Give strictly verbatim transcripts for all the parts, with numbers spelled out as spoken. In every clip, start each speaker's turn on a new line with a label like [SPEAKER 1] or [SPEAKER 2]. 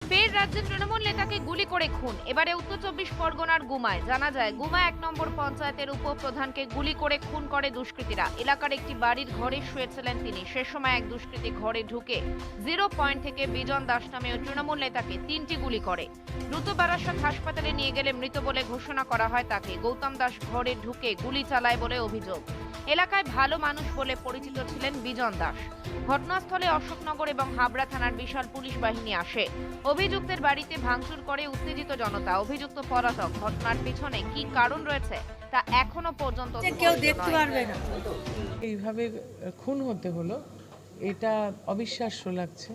[SPEAKER 1] ফের রাজ্যের তৃণমূল নেতাকে গুলি করে খুন। এবারে উত্তর চব্বিশ পরগনার গুমায় জানা যায়, গুমা এক নম্বর পঞ্চায়েতের উপপ্রধানকে গুলি করে খুন করে দুষ্কৃতীরা। এলাকার একটি বাড়ির ঘরে শুয়েছিলেন তিনি। সে সময় এক দুষ্কৃতী ঘরে ঢুকে জিরো পয়েন্ট থেকে বিজন দাস নামে তৃণমূল নেতাকে তিনটি গুলি করে। দ্রুত বারাসাত হাসপাতালে নিয়ে গেলে মৃত বলে ঘোষণা করা হয় তাকে। গৌতম দাস ঘরে ঢুকে গুলি চালায় বলে অভিযোগ। এলাকায় ভালো মানুষ বলে পরিচিত ছিলেন বিজন দাস। ঘটনাস্থলে অশোকনগর এবং হাবড়া থানার বিশাল পুলিশ বাহিনী আসে। অভিযুক্তের বাড়িতে ভাঙচুর করে উত্তেজিত জনতা। অভিযুক্ত পলাতক। ঘটনার পিছনে কি কারণ রয়েছে তা এখনো পর্যন্ত
[SPEAKER 2] কেউ দেখতে পারবে না।
[SPEAKER 3] এইভাবে খুন হতে হলো, এটা অবিশ্বাস্য লাগছে।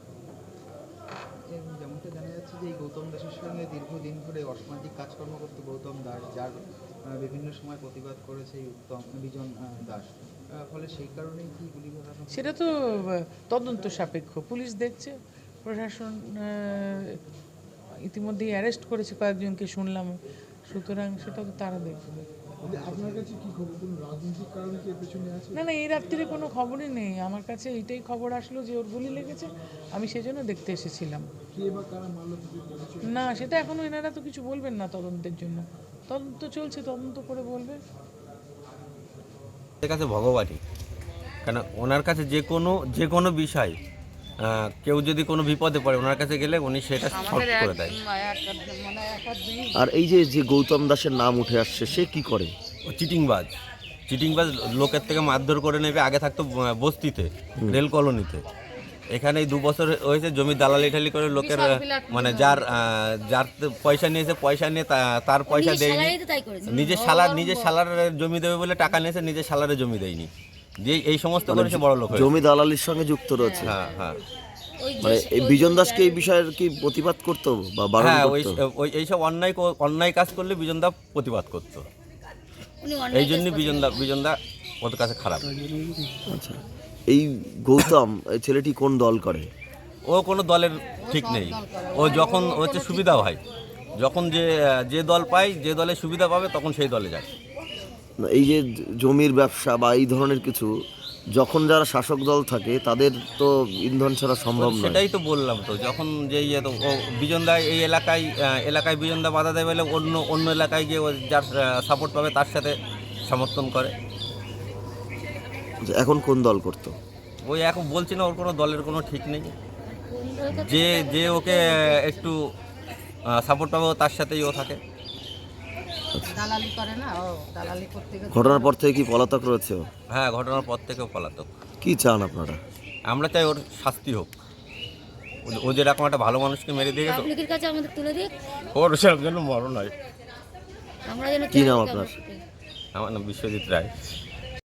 [SPEAKER 4] যেমনটা জানা যাচ্ছে যে এই গৌতম দাসের সঙ্গে দীর্ঘদিন ধরে অসামাজিক কাজকর্ম করত গৌতম দাস, যার বিভিন্ন সময় প্রতিবাদ করেছে এই উত্তম বিজন দাস, ফলে সেই কারণেই কি গুলি করা?
[SPEAKER 3] সেটা তো তদন্ত সাপেক্ষ, পুলিশ দেখছে, প্রশাসন ইতিমধ্যেই অ্যারেস্ট করেছে কয়েকজনকে শুনলাম, সুতরাং সেটা তো তারা দেখবে।
[SPEAKER 5] আপনার কাছে কি খবর, কোনো রাজনৈতিক কারণ কি এর পেছনে আছে?
[SPEAKER 3] না না, এই রাত্রিরে কোনো খবরই নেই। আমার কাছে এইটাই খবর আসলো যে ওর গুলি লেগেছে, আমি সেজন্য দেখতে এসেছিলাম।
[SPEAKER 5] কে বা কারা মারলো কিছু বলেছে?
[SPEAKER 3] না, সেটা এখনো এনারা তো কিছু বলবেন না তদন্তের জন্য। তদন্ত চলছে, তদন্ত করে বলবে।
[SPEAKER 6] ওনার কাছে ভগবানই, কেন ওনার কাছে যে কোনো যে কোনো বিষয় কেউ যদি কোনো বিপদে পড়ে ওনার কাছে গেলে উনি সেটা সলভ করে দেয়।
[SPEAKER 7] আর এই যে যে গৌতম দাসের নাম উঠে আসছে, সে কি করে?
[SPEAKER 6] ও চিটিংবাজ চিটিংবাজ লোকের থেকে মারধর করে নেবে। আগে থাকতো বস্তিতে, রেল কলোনিতে। এখানে দু বছর হয়েছে জমি দালালি ঠালি করে লোকের, মানে যার যার পয়সা নিয়েছে, পয়সা নিয়ে তার পয়সা দেয়নি। নিজের সালার নিজের সালারের জমি দেবে বলে টাকা নিয়েছে, নিজের সালারে জমি দেয়নি, দিয়ে এই সমস্ত করেছে বড় লোক।
[SPEAKER 7] জমি দালালির সঙ্গে যুক্ত রয়েছে।
[SPEAKER 6] হ্যাঁ হ্যাঁ
[SPEAKER 7] মানে এই বিজন দাসকে এই বিষয়ের কি প্রতিবাদ করতো বা বারণ
[SPEAKER 6] হ্যাঁ, ওই
[SPEAKER 7] করতো?
[SPEAKER 6] ওই এইসব অন্যায় অন্যায় কাজ করলে বিজনদা প্রতিবাদ করতো। এই জন্য বিজনদা বিজনদা ওদের কাছে খারাপ।
[SPEAKER 7] আচ্ছা, এই গৌতম এই ছেলেটি কোন দল করে?
[SPEAKER 6] ও কোনো দলের ঠিক নেই। ও যখন হচ্ছে সুবিধা হয়, যখন যে যে দল পায়, যে দলে সুবিধা পাবে তখন সেই দলে যায়।
[SPEAKER 7] এই যে জমির ব্যবসা বা এই ধরনের কিছু, যখন যারা শাসক দল থাকে তাদের তো ইন্ধন ছাড়া সম্ভব নয়।
[SPEAKER 6] সেটাই তো বললাম, তো যখন যে ইয়ে তো ও বিজনদা এই এলাকায় এলাকায় বিজনদা বাধা দেয় বলে অন্য অন্য এলাকায় গিয়ে ও যার সাপোর্ট পাবে তার সাথে সমর্থন করে।
[SPEAKER 7] এখন কোন দল করতো?
[SPEAKER 6] ওই এখন বলছি না, ওর কোনো দলের কোনো ঠিক নেই। যে যে ওকে একটু সাপোর্ট পাবে তার সাথেই ও থাকে।
[SPEAKER 2] দালালি করে না, ও দালালি করতে গেছে।
[SPEAKER 7] ঘটনার পর থেকে কি পলাতক রয়েছে?
[SPEAKER 6] হ্যাঁ, ঘটনার পর থেকেও পলাতক।
[SPEAKER 7] কি চান আপনারা?
[SPEAKER 6] আমরা চাই ওর শাস্তি হোক। ও যেরকম একটা ভালো মানুষকে মেরে দিয়ে গেছে,
[SPEAKER 8] পাবলিকের কাছে আমাদের তুলে দিক,
[SPEAKER 6] ওর সেরকম যেন মরণ হয়।
[SPEAKER 8] আমরা যেন
[SPEAKER 7] কি নাম আপনার?
[SPEAKER 6] আমার নাম বিশ্বজিৎ রায়।